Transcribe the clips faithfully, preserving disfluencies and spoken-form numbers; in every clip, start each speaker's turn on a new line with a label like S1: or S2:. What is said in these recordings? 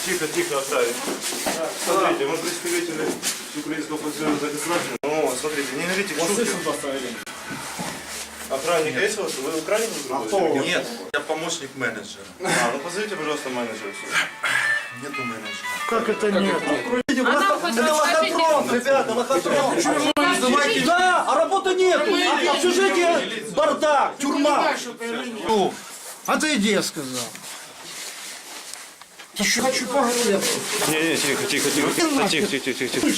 S1: Тихо, тихо, оставить. Смотрите, мы представители Украинского профсоюза государства. Ну, смотрите, не говорите к шутке. Охранник есть у вас? Вы украинец?
S2: А кто? Нет, я помощник менеджера.
S1: А, ну позовите, пожалуйста, менеджера.
S2: Нету менеджера.
S3: Как это нет?
S4: Это лохотрон,
S3: ребята, лохотрон.
S4: Да, а работы нету. А в общежитии бардак, тюрьма.
S3: Отойди, я сказал. Еще хочу поговорить.
S1: Не, не, тихо, тихо, тихо. Да, тихо, тихо, тихо, тихо.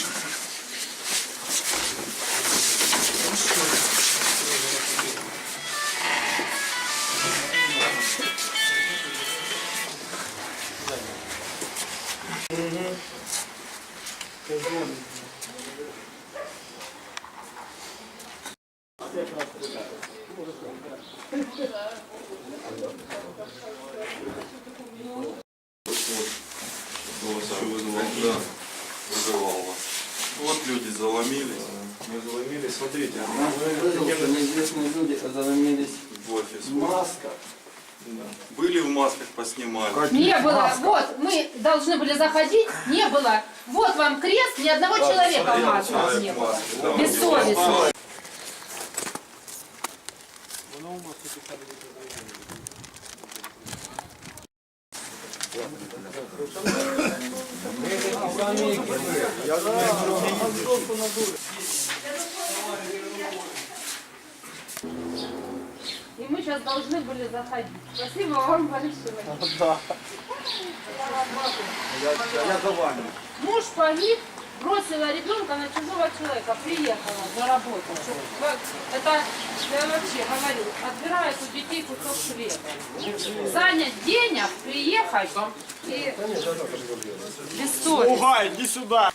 S2: Да, вызывал вас. Вот люди заломились.
S1: Мы заломились, смотрите.
S4: Неизвестные люди заломились
S2: В офис.
S4: в масках.
S2: Были в масках, поснимали.
S5: Не было. Вот, мы должны были заходить, не было. Вот вам крест, ни одного человека в масках не было. Бессовестно. И мы сейчас должны были заходить. Спасибо вам большое.
S4: Да. Я, я за вами.
S5: Муж погиб, бросила ребенка на чужого человека, приехала заработать. Это, я вообще говорю, отбирают у детей кусок хлеба. Занять денег, приехать и бессовестно.
S4: Угай, иди сюда.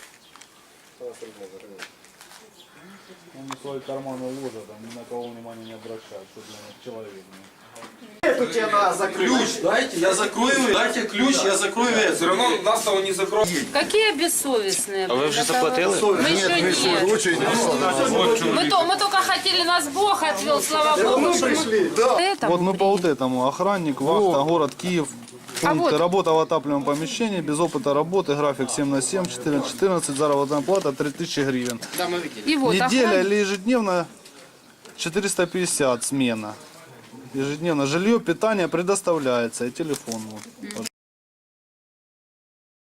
S6: Он свой карман уложит, а ни на кого внимания не обращает, что для них человек.
S4: Эту тебе надо закрыть.
S7: Ключ дайте, я закрою, дайте ключ, я закрою это. Все равно нас того не закроют.
S5: Какие бессовестные?
S1: А вы уже заплатили?
S5: Мы еще нет. Мы, то, мы только хотели, нас Бог отвел, слава Богу.
S4: Мы
S5: что мы-
S4: пришли.
S5: Это
S6: Вот мы по вот этому. Охранник, вахта, город Киев.
S5: А
S6: Пункты.
S5: вот-
S6: Работа в отапливаемом помещении, без опыта работы, график семь на семь, четыре на четырнадцать, заработная плата три тысячи гривен.
S5: и вот
S6: Неделя
S5: охрана-
S6: или ежедневно четыреста пятьдесят смена. Ежедневно жилье, питание предоставляется и телефон. Вот.